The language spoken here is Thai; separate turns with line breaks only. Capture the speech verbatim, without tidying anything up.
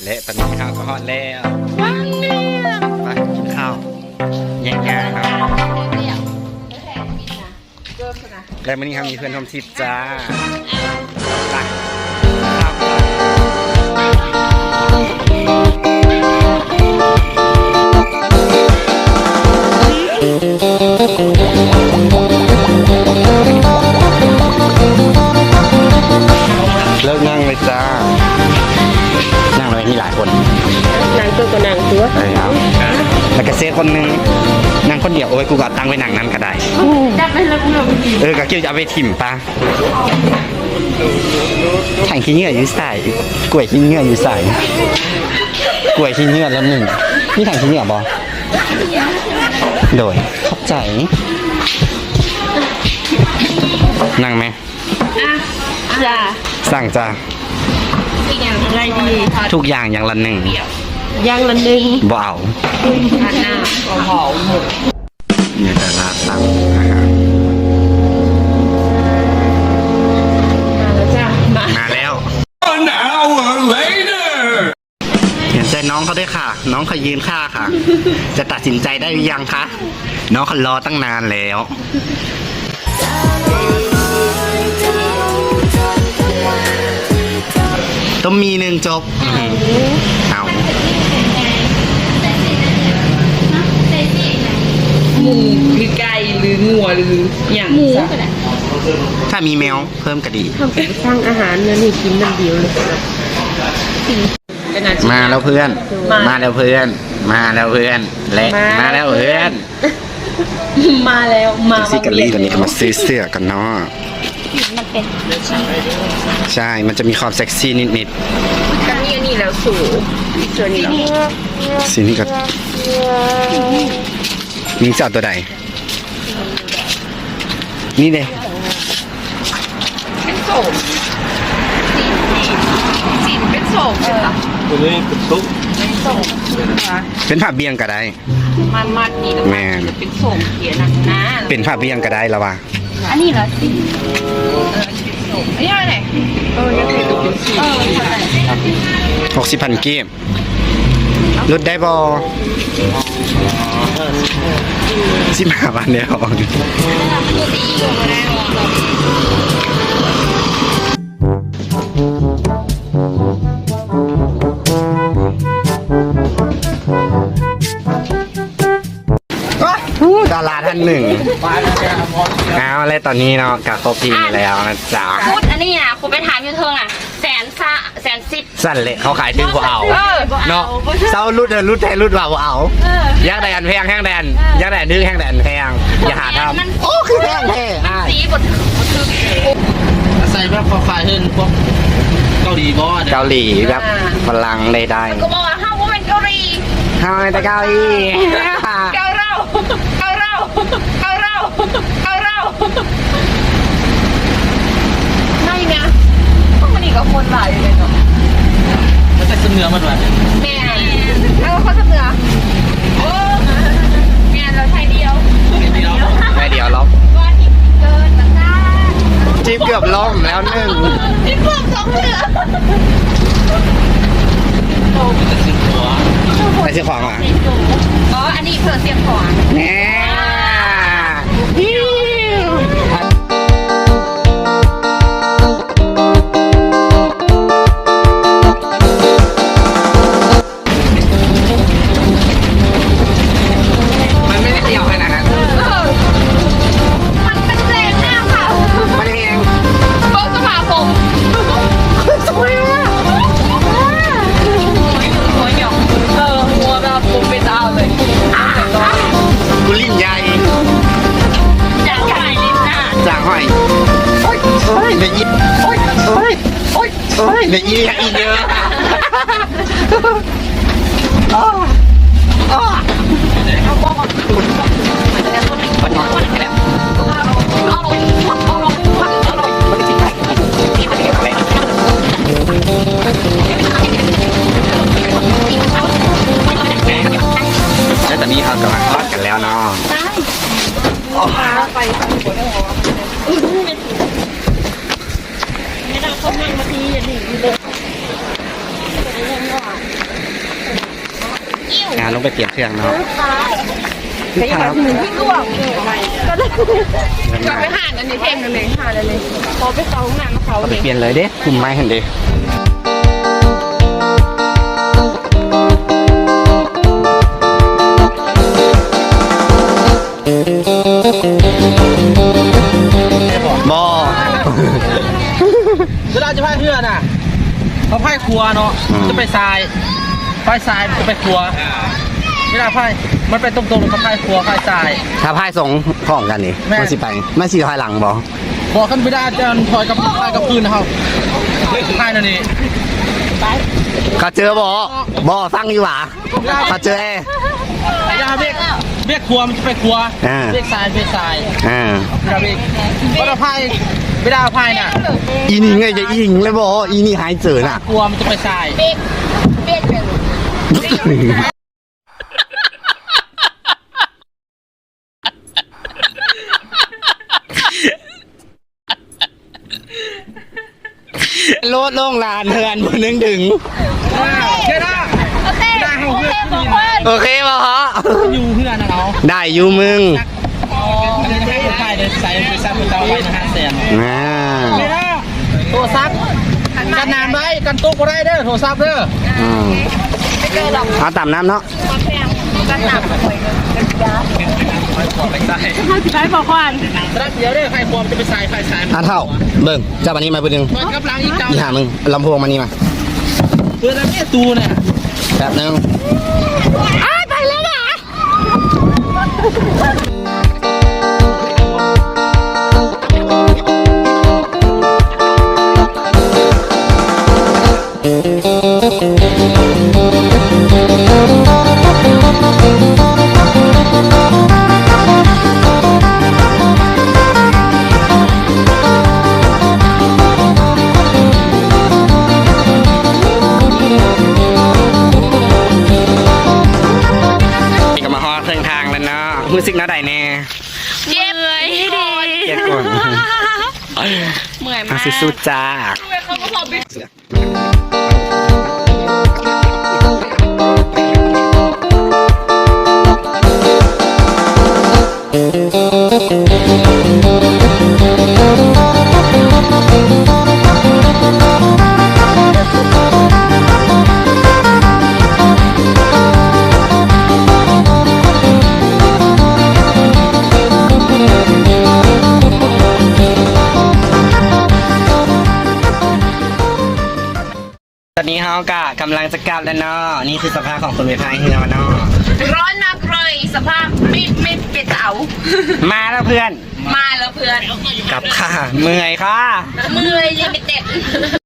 และตอนนี้ข้าวก็ฮอตแล้วไปกินข้าวแย่งๆครับและวันนี้ครับมีเพื่อนท่องทิพย์จ้าไปข้าวเลิกนั่งเลยจ้านั่งเลยมีหลายคน
นางตัวก็นางตัว
ใช่ครับแล้วก็เซฟคนนึงนั่งคนเดียวโอ้ยกูก็ตั้งไว้นั่งนั้นก็ได้
จับไปแล้วกูเราไปกิน
เออก็คิดจะเอาไปถิ่มปะถังขี้เหงื่ออยู่ใส่กล้วยขี้เหงื่ออยู่ใส่กล้วยขี้เหงื่อแล้วหนึ่งนี่ถังขี้เหงื่อบอโดยขอบใจนั่งไหม
จ้า
สั่งจ้า
อะไรดี
ทุกอย่างอย่างละหนึ่ง
อย่างละหนึ่ง
บ่เอา
หน้าหอม
เนี่ยแต่ละสั่งอาหาร
มาแล้วจ้า
มาแล้ว
An hour later
เห็นใจน้องเขาด้วยค่ะน้องเขายืนค่าค่ะจะตัดสินใจได้หรือยังคะน้องเขารอตั้งนานแล้วต้องมีหนึ่งจบเอา
หมูหรือไก่หรืองัวหรืออย่างหมู
ถ้ามีแมวเพิ่มกระดี
ทำเป็นสร้างอาหารเนี่ยนี่กินมันเดียวเลย
มาแล้วเพื่อนมาแล้วเพื่อนมาแล้วเพื่อนและมาแล้วเพื่อน
มาแล้วมา
ซิกาลี่ตอนนี้ก็มาซื้อเสื้อกันเนาะ
มันเป็น
ใช่มันจะมีความเซ็กซี่นิด
ๆกันนี่นี่แล้วสูงส่วนนี้
สีนี้ก็มิงจับตัวใดนี่เด้
เป็นโสมสีเป็นโสมใช่ปะ
ตัวนี้เป็นตุ๊ก
เป็นโสม
เป็นผ้าเบี้ยงก็ได้
มันมัดนี่แม่เป็นโสมเขียนนะ
เป็นผ้าเบี้ยงก็ได้แล้ววะ
อันนี้เหรอสิอันนี้อะไรเออยังเป็นตุ๊กเป็นสี
หกสิบพันเกมลดได้บอสิบห้าวันเดียวดาราท่านหนึ่งเอาอะไรตอนนี้เนาะกับครบทีแล้วนะจ๊ะ
คุดอันนี้นะคุณไปถามยูเทิงอ่ะแสนซะแสนสิบ
สั่นเลยเขาขายถึงกว่าเอาเนาะเศร้ารุดเดินรุดแทนรุดว่าเอายักษ์แดนแพงแห้งแดนยักษ์แดนนึกแห้งแดนแพงอย่าหาทำโอ้คือแพงแท้
สีบด
ใส่แบบไฟเฮิร์นพวกเกาหลีบอส
เกาหลีแบบพลังใด
ๆก็บอกว่าห้าวว่าเป็นเกาหลี
ห้าวแต่เกาหลี
เกาเราเกาเราเกาเราเกาเราไม่นะพวกมันอีกกับคนหลายเลยเนาะ
มันจะเสนอมันวะ
แม่เอาเขาเสนอโอ้แม่เราไทยเดียว
ไทยเดียวล็อก
ว่าทิพเกินมาซ่า
จิ๊บเกือบล้มแล้วหนึ่ง
ทิพเกือบสองเหลือ
ไปเสียของอ่ะ
อ๋ออันนี้เผื่อเสียของ
แน่เดี๋ยวอีกอีกเยอะแล้วตอนนี้เขากำลังทอดกันแล้วเนาะไปไม่ได้เขานั่งมาทีอย่างนี้เลยงานลงไปเปลี่ยนเครื่องเนาะ
แต่ยังไงหนึ่งที่ก็บอกก็ได้
เงิน
ก็
มา
ไปหาอันนี้เท่งกันเลยหาเลยพอไปเขาห้องน้ำมาเขา
เอาไป
เลย
เปลี่ยนเลยเด้คุมไม้เห็นเด้บอ
เวลาจะพายเรือน่ะเขาพายครัวเนาะจะไปทรายพายทรายจะไปครัวเวลาพายมันไปตรงๆเขาพายครัวพายทราย
ถ้าพายสองข้องกันนี่
แม่
มันสิไปมันสิพายหลังบอ
บอกขึ้นไม่ได้จะถอยกับพายกับพื้นนะครับพายนั่นนี่
เขาเจอบอบอฟังอยู่หว่าเขาเจอเอ
เวลาเบรกเบรกครัวมันจะไปครัว
อ่า
เบรกทรายเบรกทราย
อ่า
เวลาเบรกเวลาพายเวลาพายน่ะ
อีนี่ไงจะอิงเลยบออีนี่หายเจอน่ะ
ครัวมันจะไปทราย
เบรกเบรกเป็น
โลดลงลานเฮือนบนนึงดึง
แค่นั้น
โอเคโอเคบอกว่า
โอเคบอฮะ
อยู่เพื่อนนะเรา
ได้อยู่มึง
อันนี้ให้พายเดินใส่ไปซับไปเตาไว้นะฮะแสน
อ่า
ไม่ได้โทรศัพท์กันนานไว้กันตุ๊กก็ได้เด้อโทรศัพท์เด้อ
อืม
ไม่เจอหรอก
เอาต่ำน้ำเนาะ
มาแพงกันหนักเลยกันยา
ไปใส่
ห้าสิบไอ้บอกว่า
รัดเดียวเด้อไฟความจะไปใส่ไฟใส่
อ่ะเท่าเบิ่งเจ้าบันนี้มาเบิ่ง
มันกับล้างอีกเจ้า
อีหามึงลำโพงมานี่มา
เพื่อนเนี่ยตูเนี่ย
แป๊บนึง
ไปแล้วอ่ะ
นี่ก็มาฮอดเครื่องทางแล้วเนาะมือซิกน้าใดแน่
เจ็บเลยดี
เจ็บก่อน
เหนื่อย
มา
มาก
สู้ๆจ้า
เขาก็พอไป
ตอนนี้เฮากะกำลังจะกลับแล้วเนาะนี่คือสภาพของคนไปพายเรือมาเนาะ
ร้อนมากเลยสภาพไม่ไม่เป็นเต๋า
มาแล้วเพื่อน
มาแล้วเพื่อน
กลับค่ะเมื่อยค่ะ
มือยังไม่เต็ด